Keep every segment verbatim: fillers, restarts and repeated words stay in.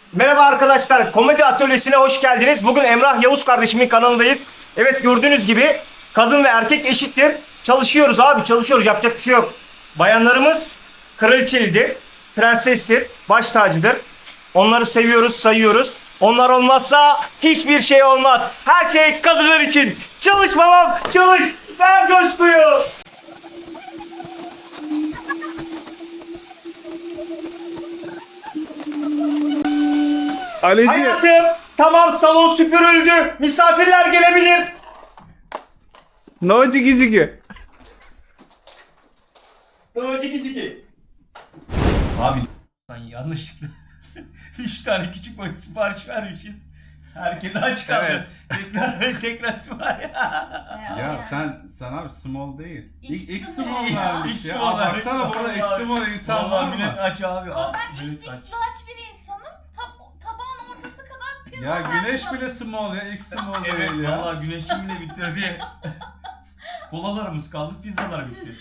Merhaba arkadaşlar, Komedi Atölyesi'ne hoş geldiniz. Bugün Emrah Yavuz kardeşimin kanalındayız. Evet, gördüğünüz gibi kadın ve erkek eşittir. Çalışıyoruz abi, çalışıyoruz. Yapacak bir şey yok. Bayanlarımız kraliçelidir, prensestir, baş tacıdır. Onları seviyoruz, sayıyoruz. Onlar olmazsa hiçbir şey olmaz. Her şey kadınlar için. Çalış babam, çalış. Ver coşkuyu. Alici. Hayatım, tamam, salon süpürüldü. Misafirler gelebilir. No ciki ciki. Ciki ciki. Abi lan yanlışlıkla üç tane küçük boy sipariş vermişiz. Herkes aç kaldı. Evet. Tekrar tekrar sipariş. Ya sen sen abi small değil. X X, X small. small Ya, vermiş X ya. small Aa, vermiş. baksana burada X small insan var Vallahi millet mı? aç abi. Ama Abi, ben millet X aç. X large bir insanım. Tab tabağın ortası kadar pizza Ya var. güneş bile small ya. X small Evet değil ya. vallahi güneşçi bile bitirdi. Kolalarımız kaldı, pizzalar bitti.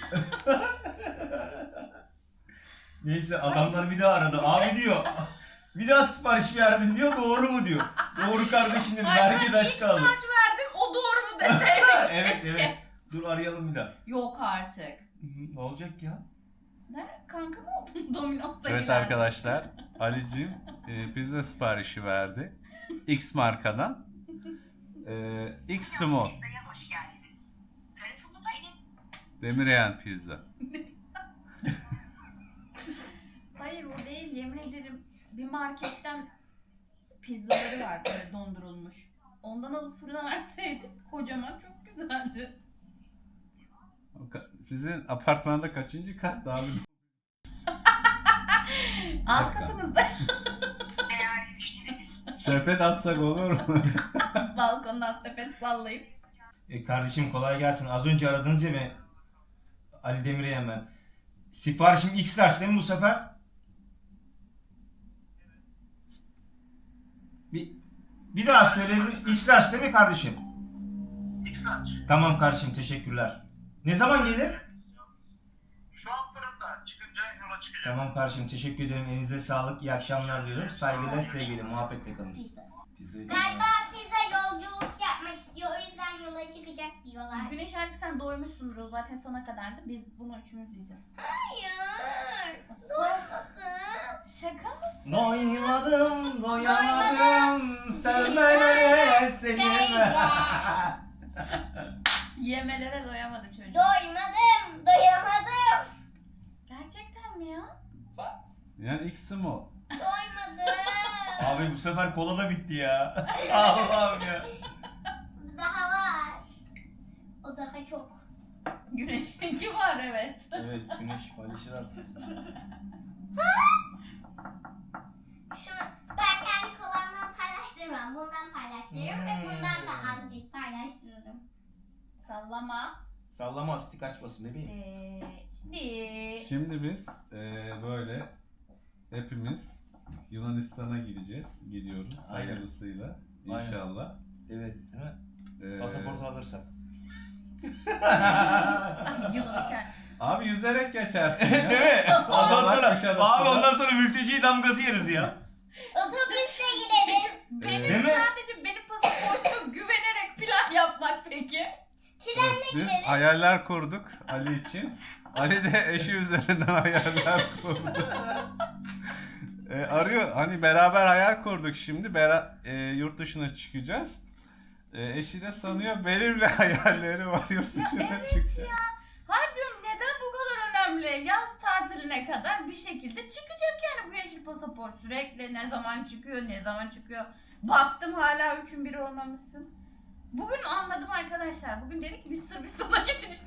Neyse adamlar bir daha aradı. Abi diyor. Bir daha sipariş verdin diyor. Doğru mu diyor. Doğru kardeşim dedim. Ay, Herkes ben aç X kaldı. large verdim. O doğru mu deseydik Evet keşke. evet. Dur arayalım bir daha. Yok artık. Hı, Ne olacak ya? Ne? Kanka mı oldun Domino's'ta Evet giren? arkadaşlar. Ali'cim e, pizza siparişi verdi. X markadan. E, X small. Demiryan pizza. Hayır o değil, yemin ederim. Bir marketten pizzaları var böyle dondurulmuş. Ondan alıp fırına verseydim kocaman çok güzeldi. Sizin apartmanda kaçıncı kat abi? Alt dakika. katımızda Sepet atsak olur mu? balkondan sepet sallayıp. E kardeşim kolay gelsin. Az önce aradınız ya beni. Ali Demir'e ben. Siparişim X large değil mi bu sefer? Bir, bir daha söyleyebilir. X large değil mi kardeşim? X large. Tamam kardeşim, teşekkürler. Ne zaman gelir? Şu alt tarafta çıkınca yola çıkacağım. Tamam kardeşim, teşekkür ederim. Elinize sağlık. İyi akşamlar diyorum. Saygıyla, sevgiyle, muhabbetle kalınız. Pizza Galiba pizza yolculuk yapmak istiyor. O yüzden yola çıkacak diyorlar. Güneş artık sen doymuşsundur, o zaten sana kadardı. Biz bunu üçümüz yiyeceğiz. Hayır. Nasıl? Doymadım. Şaka mısın? Doymadım, doyamadım. Sevmelere seni. Yemelere doyamadı çocuk. Doymadım. Doyamadım. Gerçekten mi ya? Yani X small. Doymadım. Abi bu sefer kola da bitti ya. Allah'ım ya. Daha var. O daha çok. Güneşinki var evet. Evet, güneş paylaşır artık. Şunu ben kendi kolamdan paylaştırmam. Bundan paylaştırırım ve bundan da azıcık paylaştırırım. Sallama. Sallama, asiti kaçmasın bebeğim. Ee, di. Şimdi biz eee, böyle hepimiz Yunanistan'a gideceğiz. Gidiyoruz Aynen. hayırlısıyla Aynen. inşallah. Evet, değil mi? Eee, Pasaportu alırsak. Ay yılanken. Abi yüzerek geçersin ya. Değil mi? Ondan Bak sonra, kuş arasında. abi ondan sonra mülteci damgası yeriz ya. Otobüsle gideriz. Benim Değil mi? sadece benim pasaportuma güvenerek plan yapmak peki. Trenle Biz gideriz. hayaller kurduk Ali için. Ali de eşi üzerinden hayaller kurdu. E, arıyor. Hani beraber hayal kurduk şimdi. Bera e, yurt dışına çıkacağız. E, eşi de sanıyor benimle hayalleri var yurt dışına evet çıkacağız. Hayır diyorum, neden bu kadar önemli? Yaz tatiline kadar bir şekilde çıkacak yani bu yeşil pasaport. Sürekli ne zaman çıkıyor, ne zaman çıkıyor. Baktım hala üçün biri olmamışsın. Bugün anladım arkadaşlar. Bugün dedik ki biz Sırbistan'a gideceğiz.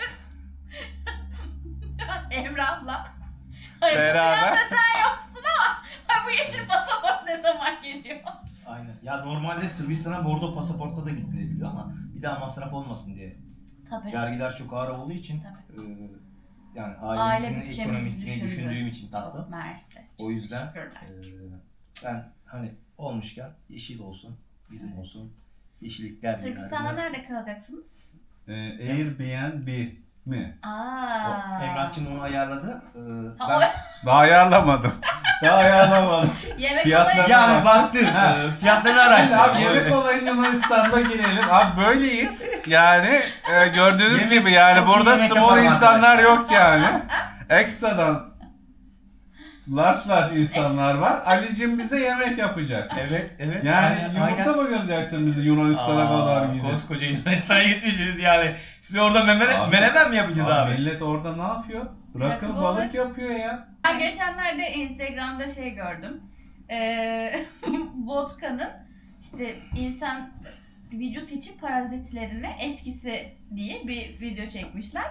Emrah'la. Hayır, Beraber. bu planda sen yoksun ama ha, bu yeşil pasaport ne zaman geliyor? Aynen. Ya normalde Sırbistan'a bordo pasaportla da gidilebiliyor ama bir daha masraf olmasın diye. Tabii. Vergiler çok ağır olduğu için Tabii. e, yani Aile ailemizin bütçemizi ekonomisini düşündü. düşündüğüm için tatlım. Çok mersi. O yüzden Teşekkürler. e, ben hani olmuşken yeşil olsun, bizim olsun. Yeşillikler Sırbistan'da nerede kalacaksınız? E, Airbnb. mi? Aa. O, Emrah'cığım onu ayarladı. Ee, Ha, ben- Daha ayarlamadım. Daha ayarlamadım. o yemek Fiyatlar- olayı. Yani baktın, e, fiyatlarını araştırdın. Abi yemek olayı Yunanistan'da girelim. Abi böyleyiz. Yani e, gördüğünüz Yemek- gibi yani çok iyi burada yemek small yaparım insanlar arkadaşlar. yok yani. Ekstradan large large insanlar var. Ali'cim bize yemek yapacak. Evet, evet. Yani aynen, yumurta aynen. mı göreceksin bizi Yunanistan'a Aa, kadar gidip? Koskoca Yunanistan'a gitmeyeceğiz yani. Siz orada memene, Abi- menemen mi yapacağız Abi, abi? millet orada ne yapıyor? Rakı Rakı balık balık. yapıyor ya. Ben geçenlerde Instagram'da şey gördüm. Ee, vodka'nın işte insan vücut içi parazitlerine etkisi diye bir video çekmişler.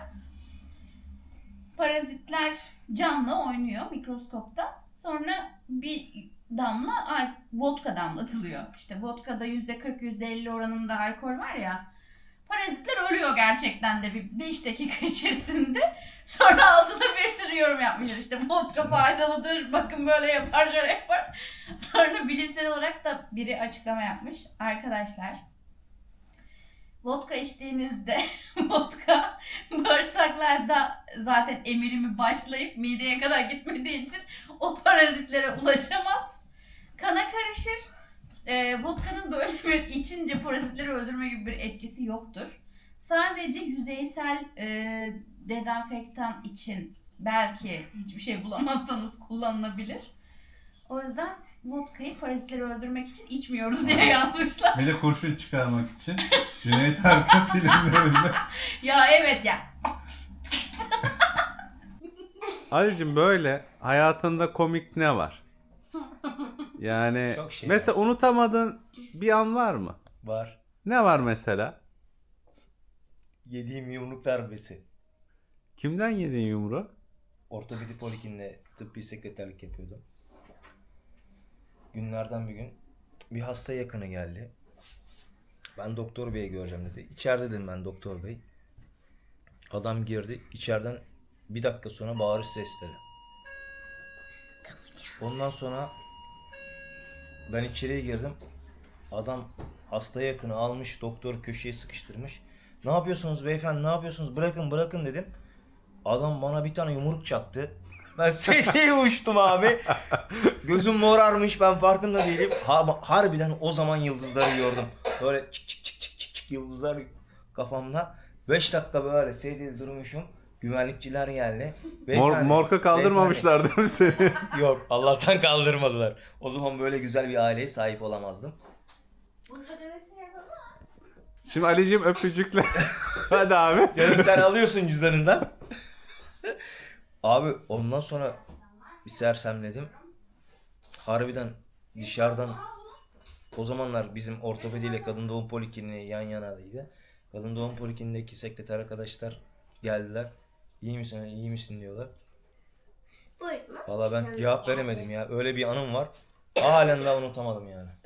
Parazitler canlı oynuyor mikroskopta. Sonra bir damla al- vodka damlatılıyor. İşte vodka'da yüzde kırk yüzde elli oranında alkol var ya. Parazitler ölüyor gerçekten de bir beş dakika içerisinde. Sonra altında bir sürü yorum yapmışlar. İşte vodka faydalıdır, bakın böyle yapar, şöyle yapar. Sonra bilimsel olarak da biri açıklama yapmış. Arkadaşlar, vodka içtiğinizde vodka bağırsaklarda zaten emilimi başlayıp mideye kadar gitmediği için o parazitlere ulaşamaz. Kana karışır. E, vodka'nın böyle bir içince parazitleri öldürme gibi bir etkisi yoktur. Sadece yüzeysel e, dezenfektan için belki hiçbir şey bulamazsanız kullanılabilir. O yüzden vodka'yı parazitleri öldürmek için içmiyoruz diye yazmışlar. Bir de kurşun çıkarmak için Cüneyt Arkın filmlerinde. Ya evet ya. Ali'cim böyle hayatında komik ne var? Yani Çok şey mesela unutamadığın bir an var mı? Var. Ne var mesela? Yediğim yumruk darbesi. Kimden yedin yumruğu? Ortopedi polikliniğinde tıbbi sekreterlik yapıyordum. Günlerden bir gün bir hasta yakını geldi. Ben doktor beyi göreceğim dedi. İçeride dedim ben doktor bey. Adam girdi. İçeriden bir dakika sonra bağırış sesleri. Ondan sonra ben içeriye girdim. Adam hasta yakını almış, doktor köşeye sıkıştırmış. Ne yapıyorsunuz beyefendi, ne yapıyorsunuz? Bırakın bırakın dedim. Adam bana bir tane yumruk çaktı. Ben sediye uçtum abi. Gözüm morarmış, ben farkında değilim. Ha, harbiden o zaman yıldızları gördüm. Böyle çık çık çık çık çık çık yıldızlar kafamda. beş dakika böyle sedyede durmuşum. Güvenlikçiler geldi. Mor, Beyefendi, morka kaldırmamışlar değil mi seni? beyefendi. Yok, Allah'tan kaldırmadılar. O zaman böyle güzel bir aileye sahip olamazdım. Bunun ödemesini yapalım. Şimdi Ali'cim öpücükle. Hadi abi. Canım sen alıyorsun cüzdanından. Abi ondan sonra bir sersemledim. Harbiden dışarıdan o zamanlar bizim ortopediyle kadın doğum polikliniği yan yanaydı. Kadın doğum polikliniğindeki sekreter arkadaşlar geldiler. İyi misin, iyi misin diyorlar. Buyurun. Valla ben cevap veremedim ya. Öyle bir anım var. Halen daha unutamadım yani.